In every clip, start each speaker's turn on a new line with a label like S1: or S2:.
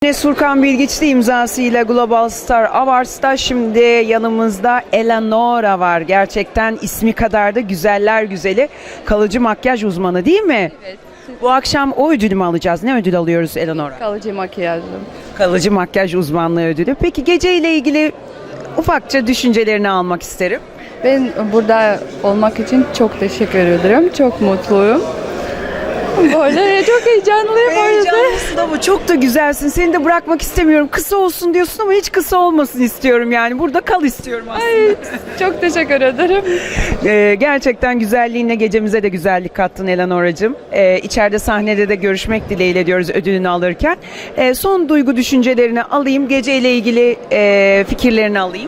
S1: Enes Furkan Bilgiçli imzasıyla Global Star Awards'ta şimdi yanımızda Eleonora var. Gerçekten ismi kadar da güzeller güzeli, kalıcı makyaj uzmanı değil mi?
S2: Evet.
S1: Bu akşam o ödülü mü alacağız? Ne ödül alıyoruz Eleonora?
S2: Kalıcı makyajım.
S1: Kalıcı makyaj uzmanlığı ödülü. Peki geceyle ilgili ufakça düşüncelerini almak isterim.
S2: Ben burada olmak için çok teşekkür ederim. Çok mutluyum. Böyle çok heyecanlıyım o yüzden.
S1: Heyecanlısın ama çok da güzelsin. Seni de bırakmak istemiyorum. Kısa olsun diyorsun ama hiç kısa olmasın istiyorum yani. Burada kal istiyorum aslında.
S2: Ay, çok teşekkür ederim.
S1: Gerçekten güzelliğinle gecemize de güzellik kattın Eleanora'cığım. İçeride sahnede de görüşmek dileğiyle diyoruz ödülünü alırken. Son duygu düşüncelerini alayım. Geceyle ilgili fikirlerini alayım.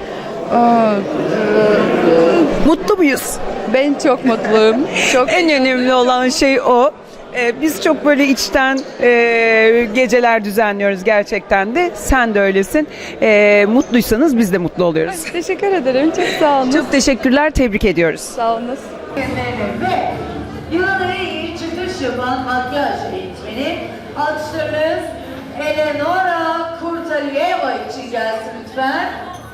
S1: Mutlu muyuz?
S2: Ben çok mutluyum. Çok
S1: En önemli olan şey o. Biz çok böyle içten geceler düzenliyoruz gerçekten de. Sen de öylesin. Mutluysanız biz de mutlu oluyoruz.
S2: teşekkür ederim. Çok sağ olun.
S1: Çok teşekkürler, tebrik ediyoruz.
S2: Sağ olun.
S3: Ve yılın en iyi çıkış yapan makyaj eğitmeni alkışlarınız Eleonora Kurtaliyeva için gelsin lütfen.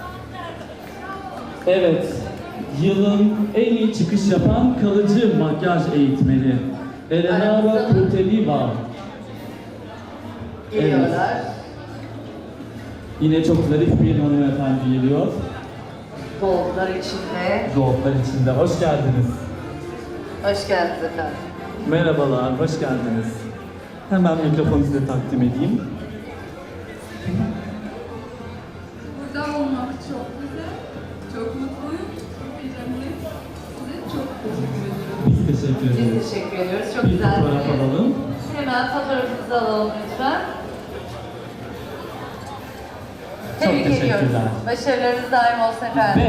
S4: Evet, yılın en iyi çıkış yapan kalıcı makyaj eğitmeni Eleonora Kurtaliyeva.
S3: Geliyorlar.
S4: Yine çok zarif bir hanımefendi geliyor.
S3: Bollar içinde.
S4: Zootlar içinde. Hoş geldiniz.
S3: Hoş geldiniz efendim.
S4: Merhabalar, hoş geldiniz. Hemen mikrofonu size takdim edeyim.
S5: Burada olmak çok güzel, çok mutluyum, çok heyecanlıyım. Size çok teşekkür ederim.
S4: Biz teşekkür ederiz.
S3: Biz teşekkür ediyoruz. Çok
S4: Bir
S3: güzel.
S4: fotoğraf alalım.
S3: Hemen fotoğrafınızı alalım lütfen.
S4: Çok
S3: Tebrik ediyoruz.
S4: teşekkürler.
S3: Başarılarınız daim olsun efendim.